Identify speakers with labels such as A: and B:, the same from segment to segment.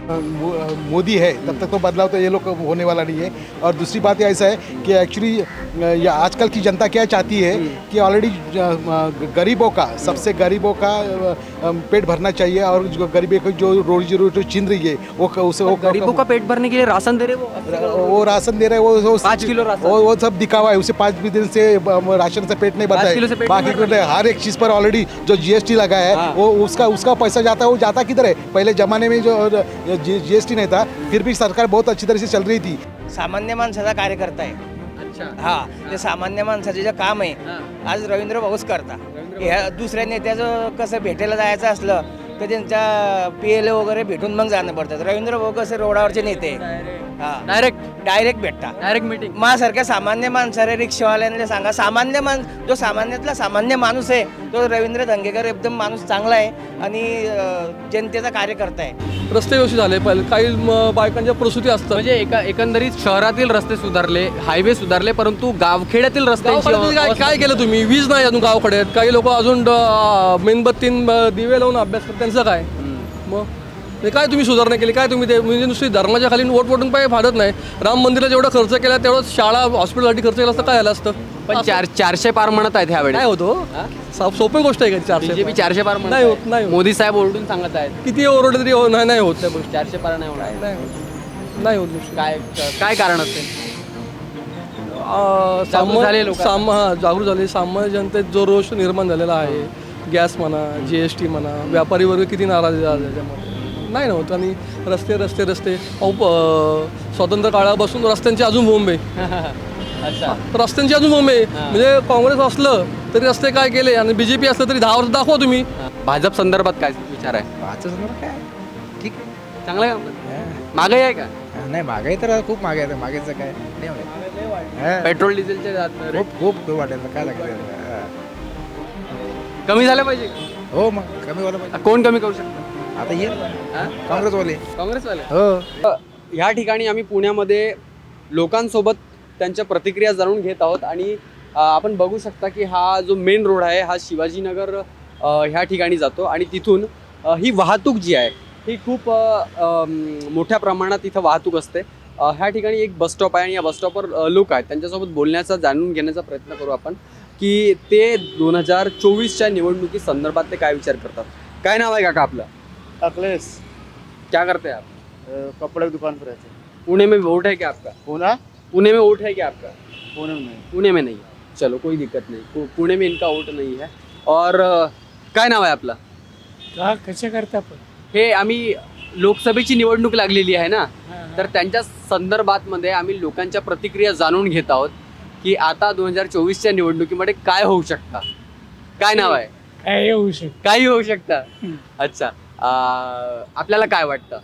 A: मोदी है तब तक तो बदलाव तो ये लोग को होने वाला नहीं है। और दूसरी बात ऐसा है कि एक्चुअली आजकल की जनता क्या चाहती है कि ऑलरेडी गरीबों का, सबसे गरीबों का पेट भरना चाहिए, और जो गरीबी को जो रोजी रोटी छीन रही है वो
B: गरीबों का पेट भरने के लिए राशन दे रहे
A: वो राशन दे रहे हैं, वो
B: 5 किलो राशन।
A: वो सब दिखावा है। उसे 5 दिन से राशन से पेट नहीं भरता
B: 5 किलो से
A: है।
B: पेट
A: बाकी
B: नहीं
A: हर एक चीज़ पर ऑलरेडी जो जीएसटी लगा है
B: हाँ।
A: वो उसका पैसा जाता है। वो जाता किधर है? पहले ज़माने में जो जीएसटी नहीं था फिर भी सरकार बहुत अच्छी तरह से चल रही थी।
C: सामान्य माणसाचा कार्यकर्ता आहे.
B: अच्छा
C: हा ते सामान्य माणसाचे जे काम आहे आज रवींद्र भाऊच करता. ह्या दुसऱ्या नेत्याचं कसं भेटायला जायचं असलं तर त्यांच्या PLA वगैरे भेटून मग जाणं पडतं. रवींद्र भाऊ कसे रोडावरचे नेते हा डायरेक्ट भेटता.
B: डायरेक्ट मीटिंग
C: माझ्यासारख्या सामान्य माणसाला रिक्षावाल्यांना सांगा, जो सामान्यातला सामान्य माणूस आहे तो रवींद्र धंगेकर एकदम माणूस चांगला आहे आणि जनतेचा कार्यकर्ता आहे.
D: रस्ते व्यवस्थित झाले पाहिजे. काही बायकांच्या प्रसूती असतात.
B: म्हणजे एकंदरीत शहरातील रस्ते सुधारले, हायवे सुधारले, परंतु गावखेड्यातील रस्त्यांची
D: गावखेड्यात काय केलं तुम्ही? वीज नाही अजून गावखेड्यात. काही लोक अजून मेणबत्ती दिवे लावून अभ्यास करतात. त्यांचं काय मग? ते काय तुम्ही सुधारणा केली? काय तुम्ही ते म्हणजे नुसती धर्माच्या खाली वोट वोटून पाहिजे फाडत नाही. राम मंदिराला जेवढा खर्च केला तेवढं शाळा हॉस्पिटलसाठी खर्च केला असतं काय झालं असतं?
B: पण 400 पार म्हणत आहेत ह्यावेळी.
D: काय होतो? सोपी गोष्ट आहे का 400?
B: बीजेपी 400 पार म्हणत
D: नाही
B: आहे.
D: होत, नाही होत.
B: मोदी साहेब ओरडून सांगत आहेत
D: किती ओरडले तरी नाही होत त्या गोष्टी.
B: 400 पार नाही होणार.
D: नाही होत गोष्टी.
B: काय कारण असेल? जागरूक झाले लोक.
D: जागरूक झाले. सामान्य जनतेत जो रोष निर्माण झालेला आहे, गॅस म्हणा, GST म्हणा, व्यापारी वर्ग किती नाराज आहे त्याच्यामध्ये. नाही नव्हतं. आणि रस्ते रस्ते रस्ते स्वातंत्र्य काळापासून रस्त्यांची अजून बोंब आहे.
B: अच्छा
D: रस्त्यांची अजून बोंब आहे. म्हणजे काँग्रेस असलं तरी रस्ते काय केले आणि BJP असलं तरी 10 वर्ष दाखवा तुम्ही.
B: भाजप संदर्भात काय विचार आहे?
E: काय ठीक आहे.
B: चांगलं आहे का? महागाई आहे का?
E: नाही महागाई तर खूप महागाई आहे. महागाईचं काय नाही वाटत.
B: पेट्रोल डिझेलचे rate
E: खूप खूप वाटेल काय लागेल.
B: कमी झालं पाहिजे.
E: हो मग कमी व्हायला पाहिजे.
B: कोण कमी करू शकतं?
E: आता ये काँग्रेसवाले.
B: काँग्रेसवाले.
E: हो
B: ह्या ठिकाणी आम्ही पुण्यामध्ये लोकांसोबत त्यांच्या प्रतिक्रिया जाणून घेत आहोत आणि आपण बघू शकता की हा जो मेन रोड आहे हा शिवाजीनगर ह्या ठिकाणी जातो आणि तिथून ही वाहतूक जी आहे ही खूप मोठ्या प्रमाणात इथं वाहतूक असते. ह्या ठिकाणी एक बसस्टॉप आहे आणि या बसस्टॉपवर लोक आहेत. त्यांच्यासोबत बोलण्याचा, जाणून घेण्याचा प्रयत्न करू आपण की ते 2024च्या निवडणुकी संदर्भात ते काय विचार करतात. काय नाव आहे काका आपलं?
F: अखिलेश.
B: क्या करते हैं आप?
F: कपड़े की दुकान पर रहते हैं.
B: पुणे में वोट है क्या आपका?
F: पूना
B: पुणे में वोट है क्या आपका?
F: पुणे में नहीं.
B: पुणे में नहीं. चलो कोई दिक्कत नहीं. पुणे में इनका वोट नहीं है. और काय नाव आहे आपलं?
F: का कसे करता आपण?
B: हे आम्ही लोकसभेची निवडणूक लागलेली आहे ना, तर त्यांच्या संदर्भात मध्ये आम्ही लोकांच्या प्रतिक्रिया जाणून घेत आहोत की आता 2024च्या निवडणुकीमध्ये काय होऊ शकतं. काय नाव आहे?
F: काय येऊ शकत?
B: काही होऊ शकतं. अच्छा आपल्याला काय वाटतं?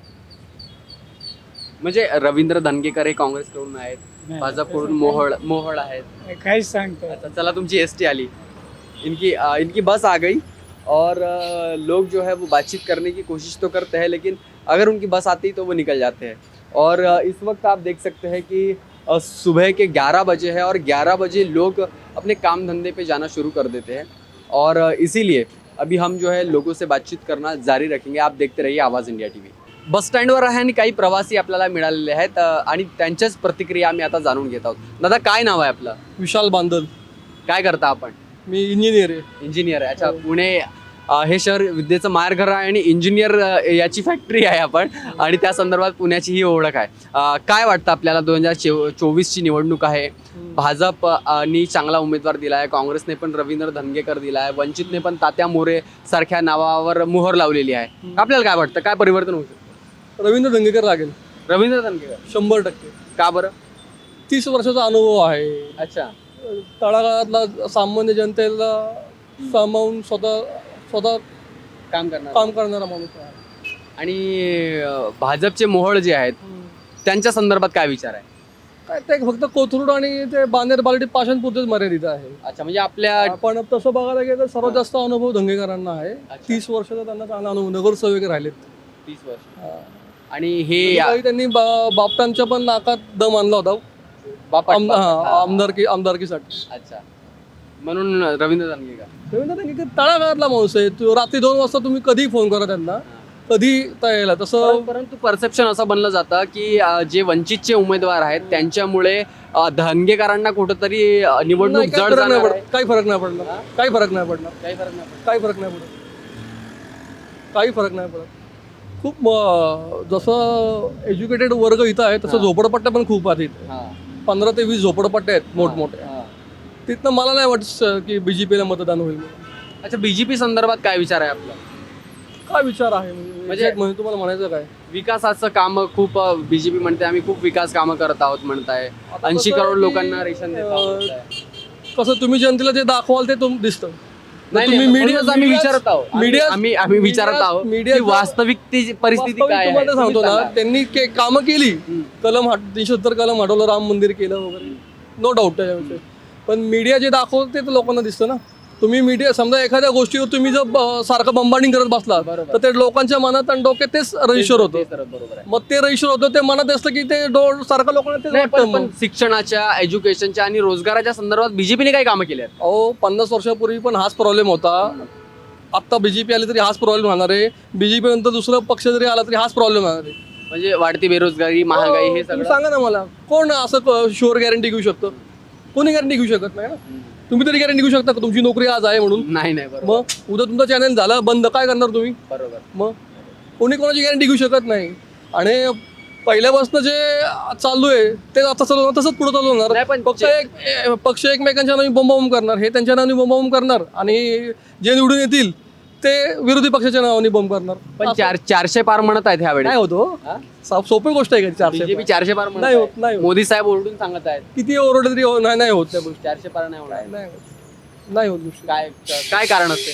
B: म्हणजे रवींद्र धंगेकर हे काँग्रेसकडून आहेत, भाजपकडून मोहळ आहेत.
F: काय सांगतो?
B: अच्छा चला तुमची ST आली. इनकी बस आ गई और लोग जो है वो बातचीत करने की कोशिश तो करते हैं, लेकिन अगर उनकी बस आती तो वो निकल जाते हैं. और इस वक्त आप देख सकते हैं कि सुबह के 11 बजे है और 11 बजे लोग अपने काम धंधे पे जाना शुरू कर देते हैं. और इसीलिए अभी हम जो है लोगों से बातचीत करना जारी रखेंगे. आप देखते रहिए आवाज इंडिया TV. बस स्टँडवर आहे आणि काही प्रवासी आपल्याला मिळालेले आहेत आणि त्यांच्याच प्रतिक्रिया आम्ही आता जाणून घेत आहोत. दादा काय नाव आहे आपलं?
D: विशाल बांदल.
B: काय करता आपण?
D: मी इंजिनियर आहे.
B: इंजिनियर आहे. अच्छा पुणे हे शहर विद्येचं माहेरघर आहे आणि इंजिनियर याची फॅक्टरी आहे आपण आणि त्या संदर्भात पुण्याची ही ओळख आहे. काय वाटतं आपल्याला? 2024ची निवडणूक आहे. भाजपनी चांगला उमेदवार दिला आहे, काँग्रेसने पण रवींद्र धंगेकर दिला आहे, वंचितने पण तात्या मोरे सारख्या नावावर मोहर लावलेली आहे. आपल्याला काय वाटतं काय परिवर्तन होऊ शकतं?
D: रवींद्र धंगेकर लागेल.
B: रवींद्र धंगेकर
D: 100%.
B: का बरं?
D: 30 वर्षाचा अनुभव आहे.
B: अच्छा
D: तळागाळातला सामान्य जनतेला सामावून स्वतः
B: काम करणार
D: काम करणारा माणूस आहे.
B: आणि भाजपचे मोहळ जे आहेत त्यांच्या संदर्भात काय विचार आहे?
D: काय ते फक्त कोथरूड आणि ते बांदेर बालटी पाषाणपुरतेच मर्यादित आहे.
B: अच्छा म्हणजे आपल्या
D: पण तसं बघायला गेलं तर सर्वात जास्त अनुभव धंगेकरांना आहे. 30 वर्षाचा त्यांना चांगला अनुभव. नगरसेवक राहिलेत
B: 30 वर्ष. आणि हे
D: त्यांनी बापटांच्या पण नाकात दम आणला होता आमदारकीसाठी.
B: अच्छा म्हणून रवींद्र धंगेकर
D: रवींद्र धंगेकर तळागाळातला माणूस आहे. रात्री 2 वाजता तुम्ही कधीही फोन करा त्यांना, कधी तयार तसं
B: परंतु परसेप्शन असं बनलं जातं की जे वंचितचे उमेदवार आहेत त्यांच्यामुळे धनगेकरांना कुठंतरी निवडणूक
D: नाही, काही
B: जड
D: फरक नाही
B: जाणार
D: पडत,
B: आहे.
D: काही फरक नाही पडणार, काही फरक नाही पडणार,
B: काही फरक नाही पडत.
D: काही फरक नाही पडत, काही फरक नाही पडत. खूप जसं एज्युकेटेड वर्ग इथं आहे तसं झोपडपट्ट्या पण खूप आहेत इथे.
B: हां,
D: 15 ते 20 झोपडपट्ट्या आहेत मोठमोठ्या.
B: हां.
D: तिथनं मला नाही वाटत की BJPला मतदान होईल.
B: अच्छा, बीजेपी संदर्भात काय विचार आहे आपला?
D: काय विचार आहे म्हणजे exact म्हणजे तुम्हाला म्हणायचं काय?
B: विकासाचं काम खूप बीजेपी म्हणते आम्ही खूप विकास कामं करत आहोत म्हणताय.
D: आता
B: 80
D: कसं आहे
B: करोड
D: की,
B: लोकांना रेशन देत आहोत म्हणताय.
D: कसं तुम्ही जनतेला जे दाखवाल ते दिसतं.
B: नाही,
D: तुम्ही
B: नाही,
D: मीडिया
B: म्हणूनच आम्ही विचारत आहोत. आम्ही विचारत आहोत
D: मीडिया
B: की वास्तविक परिस्थिती काय आहे
D: तुम्हाला सांगतो
B: तुम्ही
D: ना,
B: सांगा.
D: त्यांनी कामं केली. कलम 370 कलम हटवलं, राम मंदिर केलं वगैरे, नो डाऊट त्याच्याविषयी. पण मीडिया जे दाखवतं ते तर लोकांना दिसतं ना. तुम्ही मीडिया समजा एखाद्या गोष्टीवर तुम्ही जर सारखं बंबाडिंग करत बसला
B: बरोबर.
D: तर ते लोकांच्या मनात आणि डोक्यात तेच रजिस्टर होतं.
B: ते तर बरोबर आहे.
D: मग ते रजिस्टर होतं, ते मनात असतं की ते सारखं लोकांना तेच
B: नाही,
D: वाटतं.
B: पण
D: मग
B: शिक्षणाच्या एज्युकेशनच्या आणि रोजगाराच्या संदर्भात बीजेपीने काही कामं केली आहेत?
D: अहो 50 वर्षापूर्वी पण हाच प्रॉब्लेम होता. आत्ता BJP आली तरी हाच प्रॉब्लेम राहणार आहे. BJP नंतर दुसरा पक्ष जरी आला तरी हाच प्रॉब्लेम राहणार आहे.
B: म्हणजे वाढती बेरोजगारी, महागाई हे
D: तुम्ही
B: सगळं.
D: सांगा ना मला, कोण असं शुअर गॅरंटी घेऊ शकतं? कोणी गॅरंटी घेऊ शकत नाही ना. तुम्ही तरी गॅरंटी घेऊ शकता का तुमची नोकरी आज आहे म्हणून?
B: नाही बरोबर
D: मग उद्या तुमचा चॅनल झाला बंद, काय करणार तुम्ही?
B: बरोबर.
D: मग कोणी कोणाची गॅरंटी घेऊ शकत नाही. आणि पहिल्यापासून जे चालू आहे ते आता चालू होणार, तसंच पुढे चालू
B: नाही,
D: होणार.
B: पण
D: पक्ष एकमेकांच्या नावाने बोंबाबोंब करणार, हे त्यांच्या नावाने बोंबाबोंब करणार आणि जे निवडून येतील ते विरोधी पक्षाच्या नावाने बॉम्ब करणार.
B: पण 400 पार म्हणत आहेत ह्यावेळी.
D: नाही होतो. सोपी गोष्ट आहे का 400?
B: बीजेपी 400 पार म्हणत
D: नाही
B: आहे.
D: होत, नाही होत.
B: मोदी साहेब ओरडून सांगत आहेत
D: किती ओरडले तरी नाही होत त्या गोष्टी.
B: 400 पार नाही होणार.
D: नाही होत, नाही होत गोष्टी.
B: काय काय कारण असेल?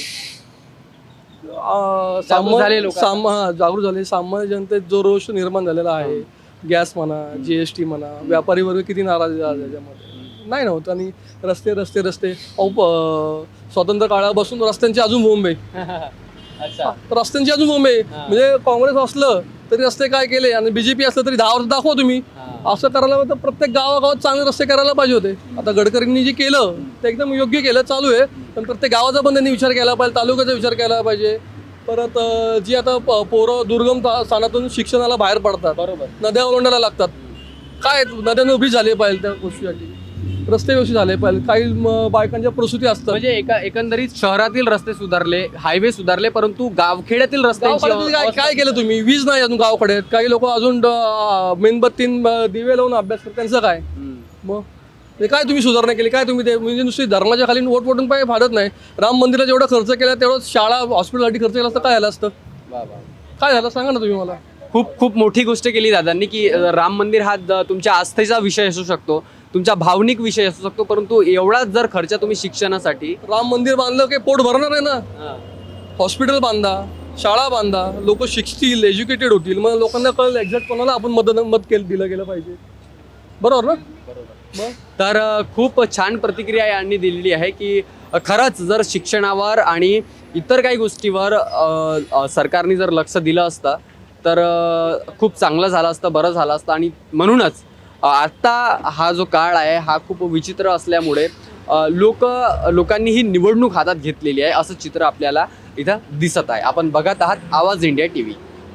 D: सामान्य
B: झाले लोक.
D: जागृत झाले. सामान्य जनतेत जो रोष निर्माण झालेला आहे, गॅस म्हणा, GST म्हणा, व्यापारी वर्ग किती नाराज आहे त्याच्यामध्ये. नाही नव्हतं. आणि रस्ते रस्ते रस्ते स्वातंत्र्य काळापासून रस्त्यांची अजून बोंब आहे.
B: अच्छा,
D: रस्त्यांची अजून बोंब आहे. म्हणजे काँग्रेस असलं तरी रस्ते काय केले आणि BJP असलं तरी 10 वर्ष दाखवा तुम्ही. असं करायला तर प्रत्येक गावागावात चांगले रस्ते करायला पाहिजे होते. आता गडकरींनी जे केलं ते एकदम योग्य केलं, चालू आहे. पण प्रत्येक गावाचा पण त्यांनी विचार केला पाहिजे, तालुक्याचा विचार केला पाहिजे. परत जी आता पोरं दुर्गम स्थानातून शिक्षणाला बाहेर पडतात,
B: बरोबर.
D: नद्या ओलांडायला लागतात. काय नद्यांना उभी झाली पाहिजे त्या गोष्टीसाठी, रस्ते व्यवस्थित झाले पाहिजे. काही बायकांच्या प्रसूती असतात.
B: म्हणजे एकंदरीत शहरातील रस्ते सुधारले, हायवे सुधारले, परंतु गावखेड्यातील रस्त्यांची
D: गावकड्यात काय केलं तुम्ही? वीज नाही अजून गावकडे. काही लोक अजून मेणबत्ती दिवे लावून अभ्यास करतात, त्यांचं काय? मग ते काय तुम्ही सुधारणा केली? काय तुम्ही ते म्हणजे नुसती धर्माच्या खाली वोट वोटून पाहिजे फाडत नाही. राम मंदिरात जेवढा खर्च केला तेवढं शाळा हॉस्पिटलसाठी खर्च केला असतं, काय झालं असतं? काय झालं सांगा ना तुम्ही मला.
B: खूप खूप मोठी गोष्ट केली दादांनी की राम मंदिर हा तुमच्या आस्थेचा विषय असू शकतो, तुमचा भावनिक विषय असू शकतो, परंतु एवढाच जर खर्च तुम्ही शिक्षणासाठी.
D: राम मंदिर बांधलं की पोट भरणार आहे ना. हॉस्पिटल बांधा, शाळा बांधा, लोक शिकतील, एज्युकेटेड होतील, मग लोकांना कळलं एक्झॅक्ट कोणाला आपण मत दिलं गेलं पाहिजे. बरोबर ना? मग
B: तर खूप छान प्रतिक्रिया यांनी दिलेली आहे की खरंच जर शिक्षणावर आणि इतर काही गोष्टीवर सरकारने जर लक्ष दिलं असतं तर खूप चांगलं झालं असतं, बरं झालं असतं. आणि म्हणूनच आत्ता हा जो काळ आहे हा खूप विचित्र असल्यामुळे लोकांनी ही निवडणूक हातात घेतलेली आहे असं चित्र आपल्याला इथं दिसत आहे. आपण बघत आहात आवाज इंडिया TV.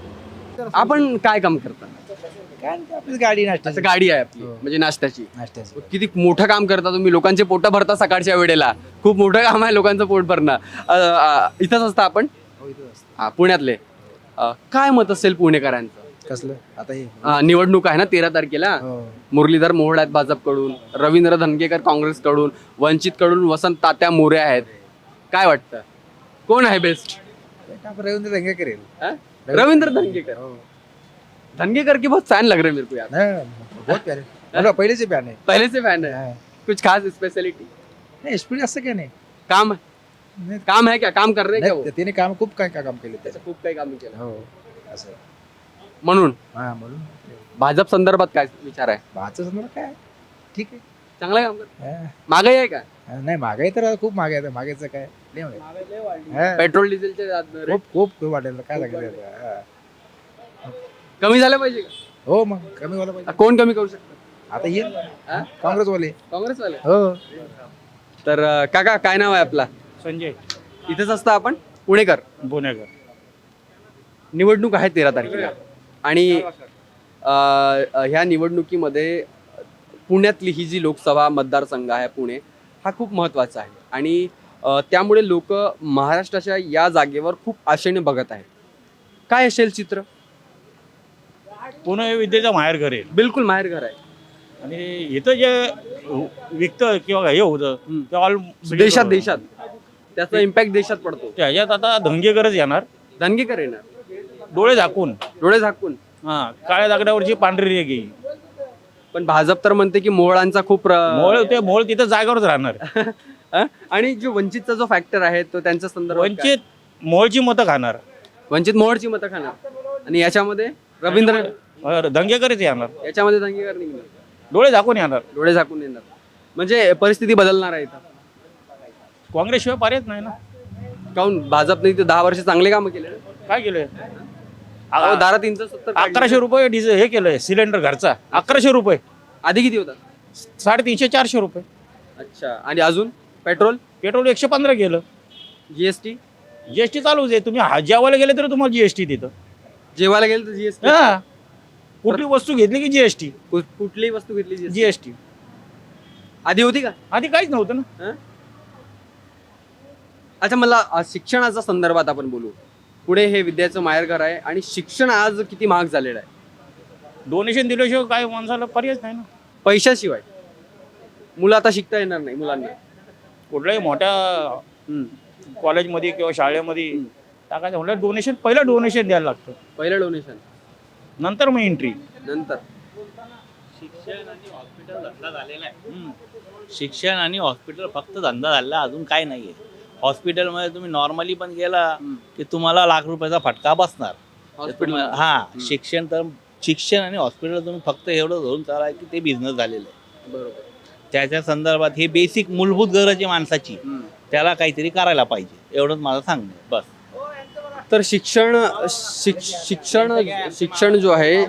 B: आपण काय काम करता?
E: काय नाही, आपली गाडी नाश्ता
B: असं गाडी आहे आपली म्हणजे नाश्त्याची.
E: नाश्त्याची
B: किती मोठं काम करता तुम्ही, लोकांचे पोटं भरता सकाळच्या वेळेला. खूप मोठं काम आहे लोकांचं पोट भरणं. इथंच असतं आपण? हा, पुण्यातले. काय मत असेल पुणेकरांचं?
E: कसलं आता हे
B: निवडणूक आहे ना 13 तारखेला. मुरलीधर मोहोळ आहेत भाजपकडून, रवींद्र धनगेकर काँग्रेसकडून, वंचितकडून वसंत तात्या मोरे आहेत. काय वाटतं कोण आहे बेस्ट?
E: रवींद्र दंगे करेल.
B: रवींद्र धनगेकर. धनगेकर की बहुत फैन लग रहे मेरे को यार.
E: बहुत प्यारे, मतलब पहले से प्यार है.
B: पहले से फैन है. कुछ खास स्पेशलिटी?
E: नाही स्पीड असं काय नाही.
B: काम काम है क्या? काम कर रहे क्या वो?
E: त्याने काम खूप काय काम केले त्याचं.
B: खूप काही काम केलं
E: हो असं
B: म्हणून.
E: हा म्हणून
B: भाजप संदर्भात काय विचार आहे?
E: भाचं समजा काय ठीक आहे.
B: चांगलं काम कर.
E: हा.
B: महागाई आहे का?
E: नाही महागाई तर खूप महागाई आहे. महागाईचं काय लय महागाई. हा.
B: पेट्रोल डिझेलचे rate
E: खूप खूप खूप वाढेल काय सांगायचं. हा.
B: कमी झालं पाहिजे का?
E: हो मग कमी व्हायला पाहिजे.
B: कोण कमी करू शकतं?
E: आता येईल
B: हा?
E: काँग्रेसवाले.
B: काँग्रेसवाले.
E: हो
B: तर काका काय नाव आहे आपला?
F: संजय
B: इथेच असता आपण? पुणेकर.
F: पुणेकर.
B: निवडणूक आहे 13 तारखेला आणि ह्या निवडणुकीमध्ये पुण्यातली ही जी लोकसभा मतदारसंघ आहे पुणे हा खूप महत्त्वाचा आहे आणि त्यामुळे लोक महाराष्ट्राच्या या जागेवर खूप आशेने बघत आहेत. काय असेल चित्र?
G: पुणे हे विद्येचं माहेरघर आहे
B: बिलकुल माहेरघर आहे
G: आणि इथं जे विकतं किंवा हे होतं ते ऑल
B: देशात त्याचा इम्पॅक्ट देशात पडतो.
G: त्याच्यात आता दंगेकरच येणार,
B: दंगेकर येणार
G: डोळे झाकून.
B: डोळे झाकून.
G: काळ्या दगडावरची पांढरी रेग येईल.
B: पण भाजप तर म्हणते की मोहळांचा खूप
G: मोळ तिथं जागेवरच राहणार.
B: आणि जो वंचितचा जो फॅक्टर आहे तो त्यांच्या संदर्भात काय?
G: वंचित मोळची मतं खाणार,
B: वंचित मोहळची मतं खाणार आणि याच्यामध्ये रवींद्र
G: दंगेकरच येणार,
B: याच्यामध्ये दंगेकर निघणार,
G: डोळे झाकून येणार.
B: डोळे झाकून येणार. म्हणजे परिस्थिती बदलणार आहे इथं.
G: काँग्रेसशिवाय पर्यायच नाही ना.
B: काहून भाजपने इथे 10 वर्ष चांगले कामं केले ना?
G: काय केलंय?
B: दारा 370
G: 1100 रुपये डिझेल हे केलंय सिलेंडर घरचा. 1100 रुपये.
B: आधी किती होता?
G: 350-400 रुपये.
B: अच्छा. आणि अजून पेट्रोल
G: पेट्रोल 115 गेलं.
B: जीएसटी
G: जीएसटी चालूच आहे. तुम्ही जेवायला गेले तर तुम्हाला जीएसटी तिथं.
B: जेवायला गेलं तर जीएसटी.
G: कुठली वस्तू घेतली की जीएसटी.
B: कुठलीही वस्तू घेतली
G: जीएसटी
B: आधी होती का?
G: आधी काहीच नव्हतं ना.
B: अच्छा, मला शिक्षणाच्या संदर्भात आपण बोलू. पुढे हे विद्याचं माहेरघर आहे आणि शिक्षण आज किती महाग झालेलं आहे.
G: डोनेशन दिल्याशिवाय काय माणसाला पर्यायच नाही ना.
B: पैशाशिवाय मुलं आता शिकता येणार नाही. मुलांना
G: कुठल्याही मोठ्या कॉलेजमध्ये किंवा शाळेमध्ये टाकायचं म्हटलं डोनेशन, पहिलं डोनेशन द्यायला लागतं,
B: पहिलं डोनेशन,
G: नंतर मग एंट्री.
B: नंतर
H: शिक्षण आणि हॉस्पिटल धंदा झालेला आहे. शिक्षण आणि हॉस्पिटल फक्त धंदा झालेला, अजून काय नाहीये. हॉस्पिटलमध्ये तुम्ही नॉर्मली पण गेला की तुम्हाला लाख रुपयाचा फटका बसणार. शिक्षण आणि हॉस्पिटल तुम्ही फक्त एवढं धरून चाला की ते बिझनेस झालेलं आहे.
B: बरोबर.
H: त्याच्या संदर्भात हे बेसिक मूलभूत गरज आहे माणसाची, त्याला काहीतरी करायला पाहिजे, एवढंच माझं सांगणं आहे बस.
B: तर शिक्षण जो आहे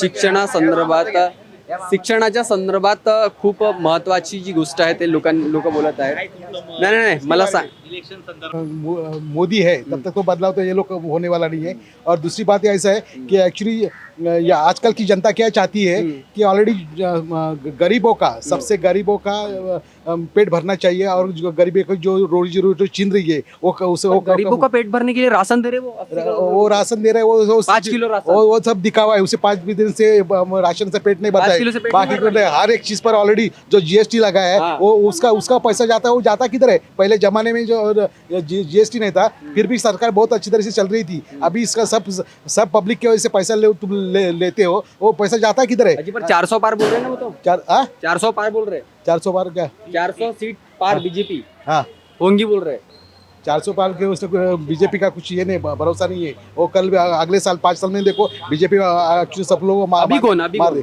B: शिक्षणाच्या संदर्भात खूप महत्वाची जी गोष्ट आहे ते लोक बोलत आहेत. नाही मला सांग.
H: इलेक्शन संदर्भात
A: मोदी है तब तक तो बदलाव तो ये लोग होने वाला नहीं है. और दूसरी बात ऐसा है कि एक्चुअली आजकल की जनता क्या चाहती है कि ऑलरेडी गरीबों का, सबसे गरीबों का पेट भरना चाहिए और जो गरीबी को जो रोजी रोटी छीन रही है वो
B: गरीबों का पेट भरने के लिए राशन दे रहे
A: वो राशन दे रहे हैं. वो
B: 5 किलो राशन.
A: वो सब दिखावा है. उसे 5 दिन से राशन से पेट नहीं भरता
B: 5 किलो से
A: है.
B: पेट
A: बाकी
B: नहीं भरता
A: हर एक चीज पर ऑलरेडी जो जीएसटी लगा है वो उसका पैसा जाता है. वो जाता किधर है? पहले जमाने में जो जीएसटी नहीं था फिर भी सरकार बहुत अच्छी तरह से चल रही थी. अभी इसका सब पब्लिक की वजह से पैसा तुम लेते हो. वो पैसा जाता किधर है?
B: अजी पर 400 पार बोल रहे हैं ना वो तो. 400 पार बोल रहे हैं.
A: 400 पार क्या?
B: 400 सीट पार बीजेपी
A: हाँ,
B: होंगी बोल रहे हैं.
A: 400 पार के उसमें बीजेपी का कुछ ये नहीं, भरोसा नहीं है. वो कल अगले साल 5 साल में देखो बीजेपी सब लोग
B: अभी कौन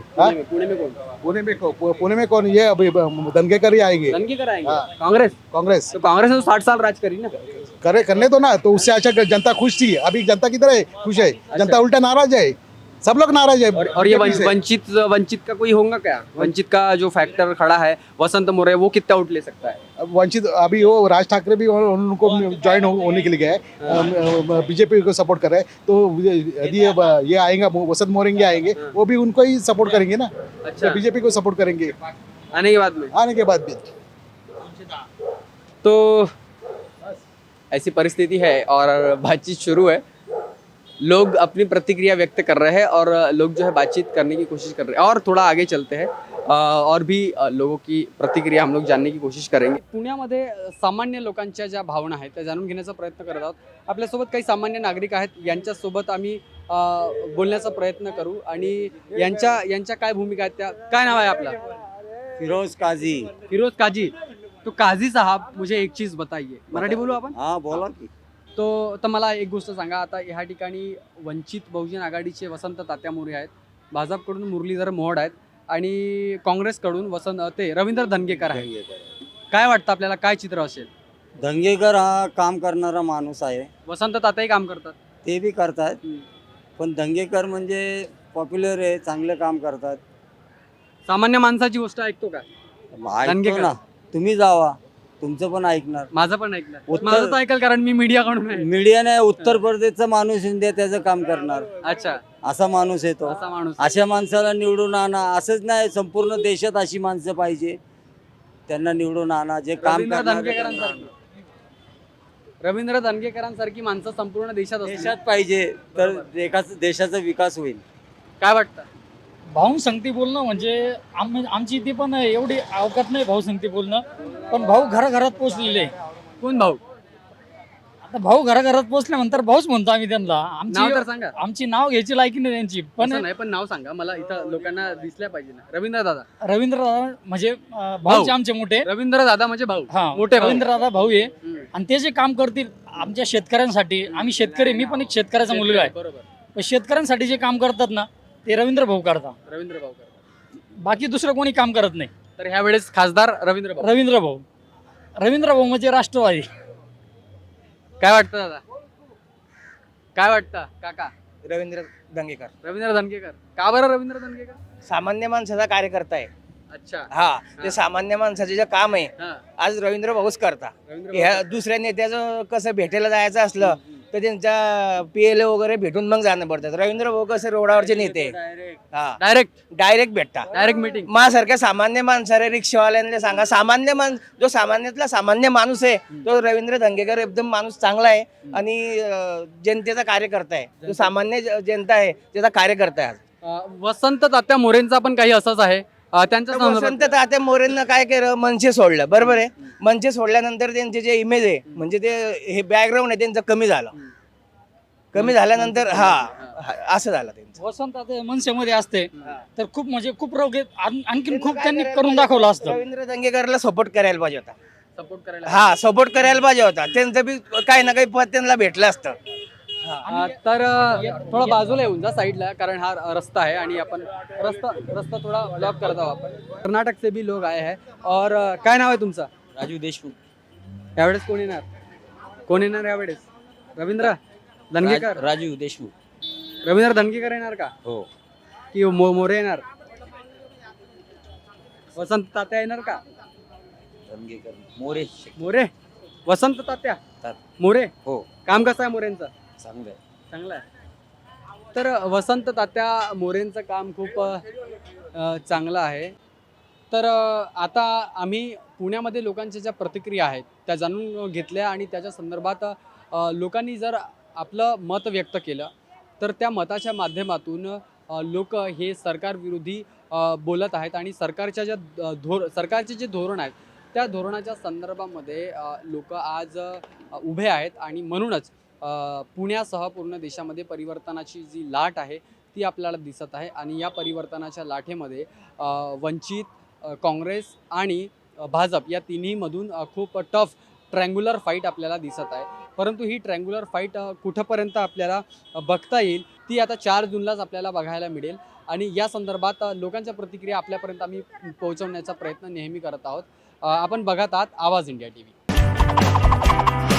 A: पुणे में कौन? ये अभी दंगेकर ही आएंगे.
B: दंगेकर आएंगे.
A: हाँ.
B: कांग्रेस तो कांग्रेस ने तो 60 साल राज करी ना.
A: करने दो ना. तो उससे अच्छा जनता खुश थी. अभी जनता किधर है? खुश है. जनता उल्टा नाराज है. सब लोग नाराज है.
B: और ये वंचित का कोई होगा क्या? वंचित का जो फैक्टर खड़ा है वसंत मोरे, वो कितना उठ ले सकता है?
A: अब वंचित अभी वो राज ठाकरे भी उनको ज्वाइन होने के लिए गए, बीजेपी को सपोर्ट कर रहे हैं. तो यदि ये आएगा वसंत मोरेंगे आएंगे वो भी उनको ही सपोर्ट करेंगे ना.
B: अच्छा.
A: बीजेपी को सपोर्ट करेंगे
B: आने के बाद भी. तो ऐसी परिस्थिति है और बातचीत शुरू है. लोग अपनी प्रतिक्रिया व्यक्त कर रहे हैं और लोग जो है बातचीत करने की कोशिश कर रहे हैं. और थोडा आगे चलते हैं और भी लोगों की प्रतिक्रिया हम लोग जानने की कोशिश करेंगे. पुण्यामध्ये सामान्य लोकांच्या ज्या भावना आहेत त्या जाणून घेण्याचा प्रयत्न करत आहोत. आपल्यासोबत काही सामान्य नागरिक आहेत, यांच्यासोबत आम्ही बोलण्याचा प्रयत्न करू आणि यांच्या काय भूमिका आहेत त्या. काय नाव आहे आपलं?
I: फिरोज
B: काजी. तो काजी साहब, मुझे एक चीज़ बताइए. मराठी बोलू आपण?
I: हाँ बोला की.
B: तर मला एक गोष्ट सांगा. आता ह्या ठिकाणी वंचित बहुजन आघाडीचे वसंत तात्या मोरे आहेत, भाजपकडून मुरलीधर मोहोड आहेत आणि काँग्रेसकडून रवींद्र धंगेकर आहेत. काय वाटतं आपल्याला, काय चित्र असेल?
I: दंगेकर हा काम करणारा माणूस आहे.
B: वसंत तात्याही काम करतात.
I: ते बी करतात, पण दंगेकर म्हणजे पॉप्युलर आहे, चांगलं काम करतात.
B: सामान्य माणसाची गोष्ट ऐकतो का
I: ऐकतो ना. तुम्ही जावा तुमचं पण ऐकणार.
B: माझं पण ऐकलं,
I: उत्तर-
B: माझं तर ऐकल, कारण मी मीडिया कडून आहे.
I: मीडियाने उत्तर प्रदेशचा माणूस इंडिया त्याचं काम करणार,
B: अच्छा,
I: असा माणूस येतो.
B: असा माणूस.
I: अशा माणसाला निवडून आणा. असंच नाही, संपूर्ण देशात अशी माणसं पाहिजे, त्यांना निवडून आणा जे काम
B: रवींद्र
I: करणार.
B: दणकेकरांसारखी रवींद्र दणकेकरांसारखी माणसं संपूर्ण देशात असली.
I: देशात पाहिजे तर देशाचा विकास होईल.
B: काय वाटतं?
F: भाऊ संगती बोलणं म्हणजे आमची ती पण एवढी अवकात नाही भाऊ संगती बोलणं, पण भाऊ घराघरात पोचलेले.
B: कोण भाऊ?
F: आता भाऊ घराघरात पोचल्यानंतर भाऊच म्हणतो आम्ही त्यांना.
B: नाव तर सांगा.
F: आमची नाव घ्यायची लायकी नाही त्यांची. पण
B: असं नाही, पण नाव सांगा मला, इथं लोकांना दिसल्या पाहिजे ना. रवींद्र दादा.
F: रवींद्र दादा म्हणजे भाऊचे आमचे मोठे.
B: रवींद्र दादा म्हणजे भाऊ,
F: हा,
B: मोठे भाऊ.
F: रवींद्र दादा भाऊ आहे.
B: हम्म.
F: आणि ते जे काम करतील आमच्या शेतकऱ्यांसाठी, आम्ही शेतकरी, मी पण एक शेतकऱ्याचा मुलगा आहे.
B: बरोबर.
F: पण शेतकऱ्यांसाठी जे काम करतात ना ते रवींद्र भाऊ करतात.
B: रवींद्र भाऊ करतात.
F: बाकी दुसरं कोणी काम करत नाही.
B: तर ह्या वेळेस खासदार रवींद्र भाऊ.
F: रवींद्र भाऊ म्हणजे राष्ट्रवादी.
B: काय वाटतं दादा? काय वाटतं काका?
C: रवींद्र दंगेकर
B: रवींद्र दणकेकर. का बरं रवींद्र दणकेकर?
C: सामान्य माणसाचा कार्यकर्ता आहे.
B: अच्छा.
C: हा, ते सामान्य माणसाचे जे काम आहे
B: हा.
C: आज रवींद्र भाऊच करता.
B: रवींद्र
C: ह्या
B: भाऊ.
C: दुसऱ्या नेत्याचं कसं भेटायला जायचं असलं तर त्यांच्या PLA वगैरे भेटून मग जाणं पडतात. रवींद्र भाऊ कसे रोडावरचे नेते, हा, डायरेक्ट भेटता.
B: Direct meeting.
C: माझ्यासारख्या सामान्य माणसाला, रिक्षावाल्यांना सांगा, जो सामान्यातला सामान्य माणूस आहे तो रवींद्र दंगेकर एकदम माणूस चांगला आहे आणि जनतेचा कार्यकर्ता आहे. जो सामान्य जनता आहे त्याचा कार्यकर्ता आहे.
B: वसंत तात्या मोरेंचा पण काही असंच आहे. त्यांच्या
C: वसंत
B: संदर्भात-
C: तात्या मोरेंना काय केलं, मनसे सोडलं. बरोबर आहे. मनसे सोडल्यानंतर त्यांचे जे इमेज आहे म्हणजे ते हे बॅकग्राऊंड आहे त्यांचं कमी झाल्यानंतर असं झालं त्यांचं.
F: वसंत आता मनसेमध्ये असते तर खूप म्हणजे खूप रोग आणखीन खूप त्यांनी करून दाखवलं असतं.
C: रवींद्र दंगेकरला सपोर्ट करायला पाहिजे होता.
B: सपोर्ट करायला.
C: सपोर्ट करायला पाहिजे होता. त्यांचं बी काही ना काही पद त्यांना भेटलं असतं.
B: तर थोडा बाजूला येऊन जा साईडला, कारण हा रस्ता है आणि आपण रस्ता थोड़ा ब्लॉक करत आहोत आपण. कर्नाटक से भी लोग आए हैं. और काय नाव आहे तुमचं?
I: राजू देशमुख.
B: यावेळेस कोण येणार यावेळेस? रवींद्र दणकेकर.
I: राजू देशमुख.
B: रवींद्र दणकेकर येणार का?
I: हो.
B: की मोरे येणार? वसंत तात्या येणार का? मोरे. वसंत तात्या मोरे.
I: हो.
B: काम कसं आहे मोरेंचं?
I: चांगलं
B: आहे. तर वसंत तात्या मोरेंचं काम खूप चांगलं आहे. तर आता आम्ही पुण्यामध्ये लोकांच्या ज्या प्रतिक्रिया आहेत त्या जाणून घेतल्या आणि त्याच्या संदर्भात लोकांनी जर आपलं मत व्यक्त केलं तर त्या मताच्या माध्यमातून लोक हे सरकारविरोधी बोलत आहेत आणि सरकारच्या सरकारचे जे धोरण आहेत त्या धोरणाच्या संदर्भामध्ये लोक आज उभे आहेत आणि म्हणूनच पुण्यासह पूर्ण देशामध्ये परिवर्तनाची जी लाट आहे ती आपल्याला दिसत आहे आणि या परिवर्तनाच्या लाटेमध्ये वंचित, काँग्रेस आणि भाजप या तिन्हीमधून खूप टफ ट्रँग्युलर फाईट आपल्याला दिसत आहे. परंतु ही ट्रँग्युलर फाईट कुठंपर्यंत आपल्याला बघता येईल ती आता 4 जूनलाच आपल्याला बघायला मिळेल आणि या संदर्भात लोकांच्या प्रतिक्रिया आपल्यापर्यंत आम्ही पोहोचवण्याचा प्रयत्न नेहमी करत आहोत. आपण बघत आहात आवाज इंडिया TV.